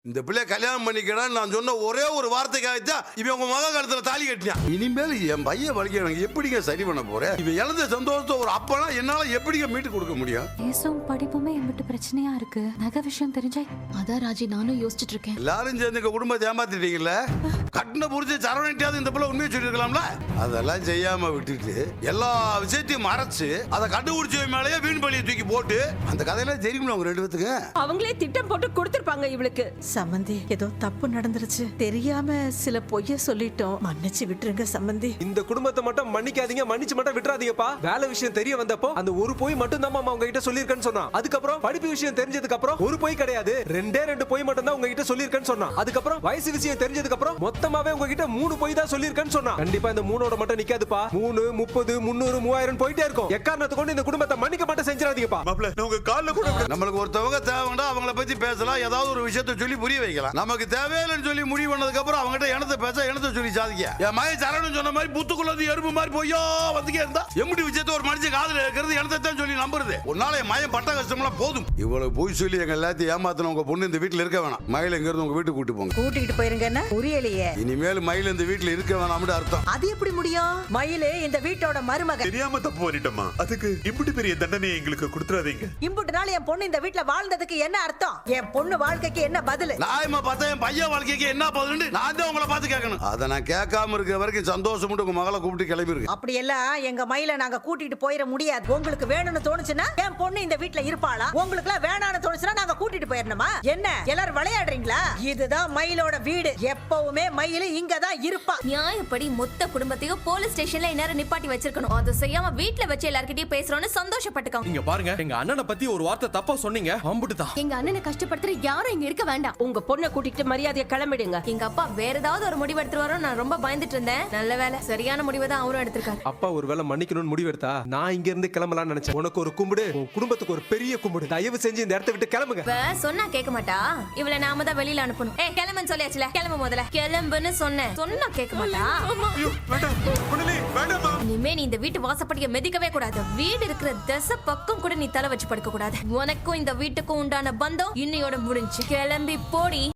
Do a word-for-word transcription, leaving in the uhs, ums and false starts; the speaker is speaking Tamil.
இந்த பிள்ளை கல்யாணம் பண்ணிக்கிறான்னு நான் சொன்ன ஒரே ஒரு வார்த்தைக்காகத்தான் இவன் உங்க மக காலத்துல தாலி கட்டினான். இனிமேல் என் பையன் வலிக்க எனக்கு எப்படிங்க சரி பண்ண போறேன்? இவன் இழந்த சந்தோஷத்தை ஒரு அப்பனா என்னால எப்படிங்க மீட்டு கொடுக்க முடியும்? பேசும் படிப்புமே என்கிட்ட பிரச்சனையா இருக்கு. நகை விஷயம் தெரிஞ்சா அதான் ராஜி நானும் யோசிச்சுட்டு இருக்கேன். எல்லாரும் சேர்ந்து எங்க குடும்பத்தை ஏமாத்திட்டீங்கல்ல. கட்டின புரிஞ்சு சரவணிட்டாவது இந்த பிள்ளை உண்மையை சொல்லிருக்கலாம்ல. அதெல்லாம் செய்யாம விட்டுட்டு எல்லா விஷயத்தையும் மறைச்சு அதை கண்டுபிடிச்ச மேலேயே வீண் பழியை தூக்கி போட்டு அந்த கதையெல்லாம் தெரியுமா உங்க ரெண்டு பேத்துக்கு? அவங்களே திட்டம் போட்டு கொடுத்திருப்பாங்க இவளுக்கு. சம்பந்தி ஏதோ தப்பு நடந்துருச்சு, தெரியாம சில பொய்ய சொல்லிட்டோம், மன்னிச்சு விட்டுருங்க சம்பந்தி. இந்த குடும்பத்தை மட்டும் மன்னிக்காதீங்க, மன்னிச்சு மட்டும் விட்டுறாதீங்கப்பா. வேலை விஷயம் தெரிய வந்தப்போ அந்த ஒரு பொய் மட்டும் தான் மாமா உங்ககிட்ட சொல்லிருக்கேன்னு சொன்னா. அதுக்கப்புறம் படிப்பு விஷயம் தெரிஞ்சதுக்கு அப்புறம் ஒரு பொய் கிடையாது, ரெண்டே ரெண்டு பொய் மட்டும் தான் உங்ககிட்ட சொல்லிருக்கேன்னு சொன்னா. அதுக்கப்புறம் வயசு விஷயம் தெரிஞ்சதுக்கு அப்புறம் மொத்தமாவே உங்ககிட்ட மூணு பொய் தான் சொல்லிருக்கேன்னு சொன்னா. கண்டிப்பா இந்த மூணோட மட்டும் நிக்காதுப்பா. மூணு முப்பது முன்னூறு மூவாயிரம் போயிட்டே இருக்கும். எக்காரணத்தை கொண்டு இந்த குடும்பத்தை மன்னிக்க மட்டும் செஞ்சிடாதீங்கப்பா. உங்க கால்ல கூட நம்மளுக்கு ஒருத்தவங்க தேவைன்னா அவங்கள பத்தி பேசலாம், ஏதாவது ஒரு விஷயத்தை சொல்லி புரிய வைக்கலாம். நமக்கு தேவையில்லைன்னு சொல்லி முடிவு பண்ணதுக்கு அப்புறம் அவங்ககிட்ட எனத்தை பேச எனத்தை சொல்லி சாதிக்க. என் மகன் சரவணன் சொன்ன மாதிரி புத்துக்குள்ளது எறும்பு மாதிரி போயோ வந்துக்கே இருந்தா எம்முடி விஷயத்தை ஒரு மனுஷன் காதுல இருக்கிறது எனத்தை தான் சொல்லி நம்புறது. ஒரு நாள் என் மகன் பட்ட கஷ்டம்லாம் போதும். இவ்வளவு போய் சொல்லி எங்க எல்லாத்தையும் ஏமாத்தின உங்க பொண்ணு இந்த வீட்டுல இருக்க வேணாம். மயில எங்க இருந்து உங்க வீட்டுக்கு கூட்டி போங்க. கூட்டிட்டு போயிருங்கன்னா புரியலையே. இனிமேல் மயில இந்த வீட்டுல இருக்க வேணாம்னு அர்த்தம். அது எப்படி முடியும்? மயிலு இந்த வீட்டோட மருமக. தெரியாம தப்பு பண்ணிட்டோமா? அதுக்கு இப்படி பெரிய தண்டனை எங்களுக்கு கொடுத்துறாதீங்க. இம்புட்டு நாள் என் பொண்ணு இந்த வீட்டுல வாழ்ந்ததுக்கு என்ன அர்த்தம்? என் பொண்ணு வாழ்க்கைக்கு என்ன பதில்? நாயமா பார்த்தா என் பையன் வாழ்க்கைக்கு என்ன பதில் நான் தான் உங்களை பார்த்து கேட்கணும். அதை நான் கேட்காம இருக்கிற வரைக்கும் சந்தோஷம் உங்க மகளை கூப்பிட்டு கிளம்பி இருக்கு. அப்படி எல்லாம் எங்க மயில நாங்க கூட்டிட்டு போயிட முடியாது. உங்களுக்கு வேணும்னு தோணுச்சுன்னா என் பொண்ணு இந்த வீட்டுல இருப்பாளா? உங்களுக்கு எல்லாம் வேணாம்னு தோணுச்சுன்னா நாங்க கூட்டிட்டு போயிடணுமா? என்ன எல்லாரும் விளையாடுறீங்களா? இதுதான் மயிலோட வீடு. எப்பவுமே மயில இங்க தான் இருப்பா. நியாயப்படி மொத்த குடும்பத்தையும் போலீஸ் ஸ்டேஷன்ல இந்நேரம் நிப்பாட்டி வச்சிருக்கணும். அதை செய்யாம வீட்டுல வச்சு எல்லார்கிட்டயும் பேசுறோம்னு சந்தோஷப்பட்டுக்கோங்க. இங்க பாருங்க, எங்க அண்ணனை பத்தி ஒரு வார்த்தை தப்பா சொன்னீங்க, அம்புட்டுதான். எங்க அண்ணனை கஷ்டப்படுத்துற யாரும் இங்க இருக்க வேண்டாம். உங்க பொண்ணை கூட்டிட்டு மரியாதையை கிளம்பிடுங்க. எங்க அப்பா வேற ஏதாவது ஒரு முடிவு எடுத்துருவாரோ நான் ரொம்ப பயந்துட்டு இருந்தேன். நல்ல வேலை சரியான முடிவை தான் அவரும் எடுத்திருக்காரு. அப்பா ஒரு வேளை மன்னிக்கணும்னு முடிவு எடுத்தா நான் இங்க இருந்து கிளம்பலாம்னு நினைச்சேன். உனக்கு ஒரு கும்பிடு, உன் குடும்பத்துக்கு ஒரு பெரிய கும்பிடு. தயவு செஞ்சு இந்த இடத்தை விட்டு கிளம்புங்க. இப்ப சொன்னா கேட்க மாட்டா. இவளை நாம தான் வெளியில அனுப்பணும். ஏ கிளம்புன்னு சொல்லியாச்சுல, கிளம்பு முதல்ல. கிளம்புன்னு சொன்னேன், சொன்னா கேட்க மாட்டா. இனிமே நீ இந்த வீட்டு வாசப்படிய மிதிக்கவே கூடாது. வீடு இருக்கிற திசை பக்கம் கூட நீ தலை வச்சு படுக்க கூடாது. உனக்கும் இந்த வீட்டுக்கும் உண்டான பந்தம் இன்னையோட முடிஞ்சு. கிளம்பி போடி.